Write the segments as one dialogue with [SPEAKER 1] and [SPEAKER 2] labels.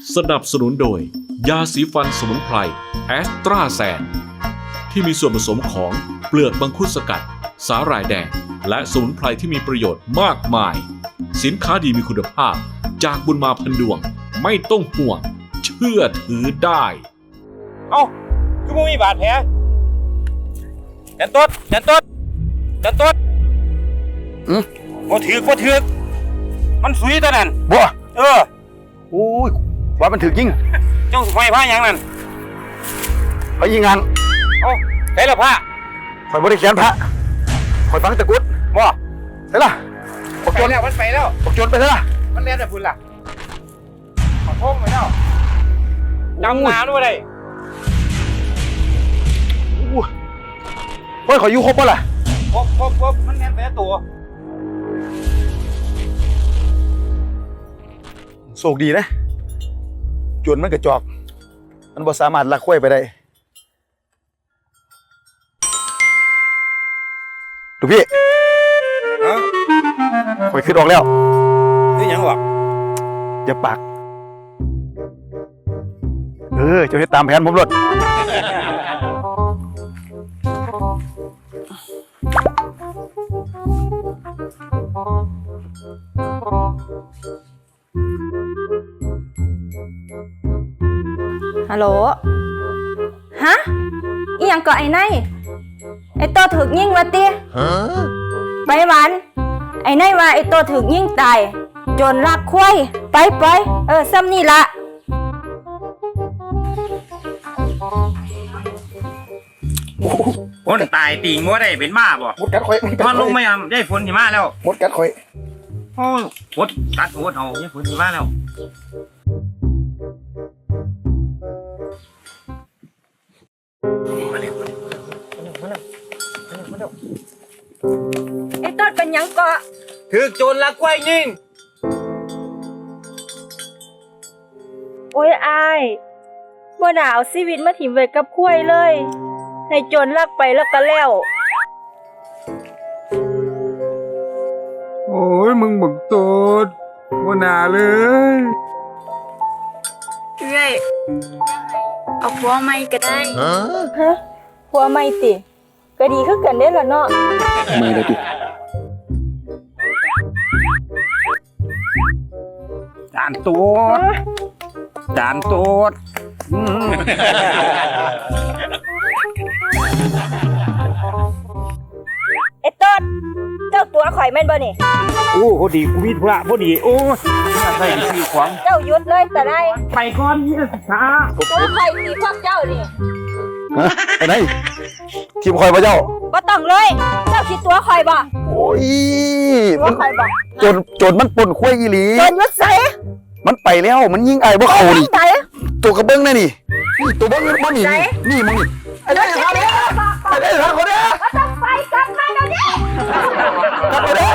[SPEAKER 1] สนับสนุนโดยยาสีฟันสมุนไพรแอสตราแซนที่มีส่วนผสมของเปลือกมังคุดสกัดสาหร่ายแดงและสมุนไพรที่มีประโยชน์มากมายสินค้าดีมีคุณภาพจากบุญมาพันดวงไม่ต้องห่วงเชื่อถือได้
[SPEAKER 2] เอ้าคือมึงมีบาดแผลยันต้นบ่ถือกมันสุยตัวนั้น
[SPEAKER 3] บ่
[SPEAKER 2] โ
[SPEAKER 3] อ้ยว่ามันถึกยิง
[SPEAKER 2] จ้องไฟผ้าอย่างนั้น
[SPEAKER 3] ไปยิงงาน
[SPEAKER 2] เอ้าใส่ละผ้า
[SPEAKER 3] ข่อยบ่ได้เขียนพระข่อยฟังตะกุด
[SPEAKER 2] บ่
[SPEAKER 3] ใส่ละ
[SPEAKER 2] ปกโจรแล้วมันไปแล้ว
[SPEAKER 3] ปกโจรไปซะล่ะ
[SPEAKER 2] มันเรียนแต่พุ่นล่ะขอโทษไปแล้วจำนาด้วยได้
[SPEAKER 3] เฮ้ยข่อยอยู่ครบป่ะล่ะ
[SPEAKER 2] ครบมันเรียนแต่ตัว
[SPEAKER 3] โชคดีนะจวนมันกระจอกมันบ่สามารถลักควายไปได้ดูพี่ข่อยขึ้นออกแล้ว
[SPEAKER 2] คือหยังวะ
[SPEAKER 3] อย่าปากเจ้าเฮ็ดตามแผนผมรถ
[SPEAKER 4] ฮัลโหลฮะอีหยังก็ไอ้ไนไอ้ตัวถึกยิงวะติไปหวานไอ้ไนว่าไอ้ตัวถึกยิงตายจนรักควายไปซ้ำนี่ละ
[SPEAKER 2] คนตายตีงัวได้เป็นบ้าบ่
[SPEAKER 3] มดกัดข่อย
[SPEAKER 2] ตอนลงไม่ได้ฝนที่มาแล้ว
[SPEAKER 3] มดกัดข่อย
[SPEAKER 2] โอ้ฝนตัดโหดเอาได้ฝนที่มาแล้ว
[SPEAKER 4] ไอ้ต้นเป็นหยังก็
[SPEAKER 2] ถือโจรลักควายยิง
[SPEAKER 4] โอ้ยอายบ่น่าเอาชีวิตมาถิ่มไว้กับควายเลยให้โจรลักไปแล้วก็แล้ว
[SPEAKER 5] โอ้ยมึงบักโตดบ่น่าเลย
[SPEAKER 4] เอ้ยเอาผัวใหม่ก็ได้ฮะผัวใหม่ติก็ดีคือกันเด้ล่ะเนาะ
[SPEAKER 3] ไม่ได้ติ
[SPEAKER 2] จานตัว
[SPEAKER 4] ไอ้ต้นเจ้าตัวข่อยแม่นบ่นี่
[SPEAKER 2] โอ้พอดีกูมีธุระพอดีโอ้ใส่สีขวาง
[SPEAKER 4] เจ้าหยุดเลยแต่ได้
[SPEAKER 2] ไปก่อนนี่ช้า
[SPEAKER 4] ตัวข่อยสิพวกเจ้านี่
[SPEAKER 3] ไอ้ไหนทีมข่อยบ่เจ้า
[SPEAKER 4] บ่ต้องเลยเจ้าคิดตัวข่อยบ่
[SPEAKER 3] โอ้ย
[SPEAKER 4] ตัวข่อยบ่
[SPEAKER 3] จนมันป่นควายอีหลี
[SPEAKER 4] จนยุดใส่
[SPEAKER 3] มันไปแล้วมันยิงไอ้บ่เข้านี่ตัวกระเบื้องนั่นนี่ตัวเบื้องมันนี่นี่มึงนี่ไอ้ได้ทางนี้ไอ้ได้ทางคนเนี้ย
[SPEAKER 4] ต้องไปกลับมาเดี๋ยวนี้
[SPEAKER 3] กลับมาเด้อ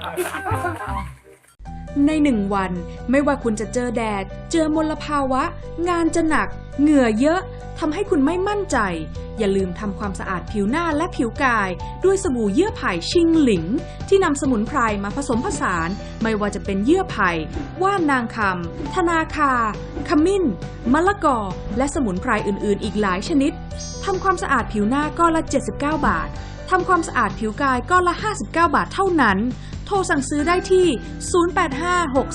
[SPEAKER 6] ใน1 วันไม่ว่าคุณจะเจอแดดเจอมลภาวะงานจะหนักเหงื่อเยอะทำให้คุณไม่มั่นใจอย่าลืมทำความสะอาดผิวหน้าและผิวกายด้วยสบู่เยื่อไผ่ชิงหลิงที่นำสมุนไพรมาผสมผสานไม่ว่าจะเป็นเยื่อไผ่ว่านนางคำธนาคาขมิ้นมะละกอและสมุนไพรอื่นๆอีกหลายชนิดทำความสะอาดผิวหน้าก้อนละ79 บาททำความสะอาดผิวกายก้อนละ59 บาทเท่านั้นโทรสั่งซื้อได้ที่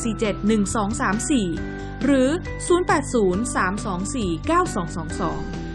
[SPEAKER 6] 0856471234หรือ0803249222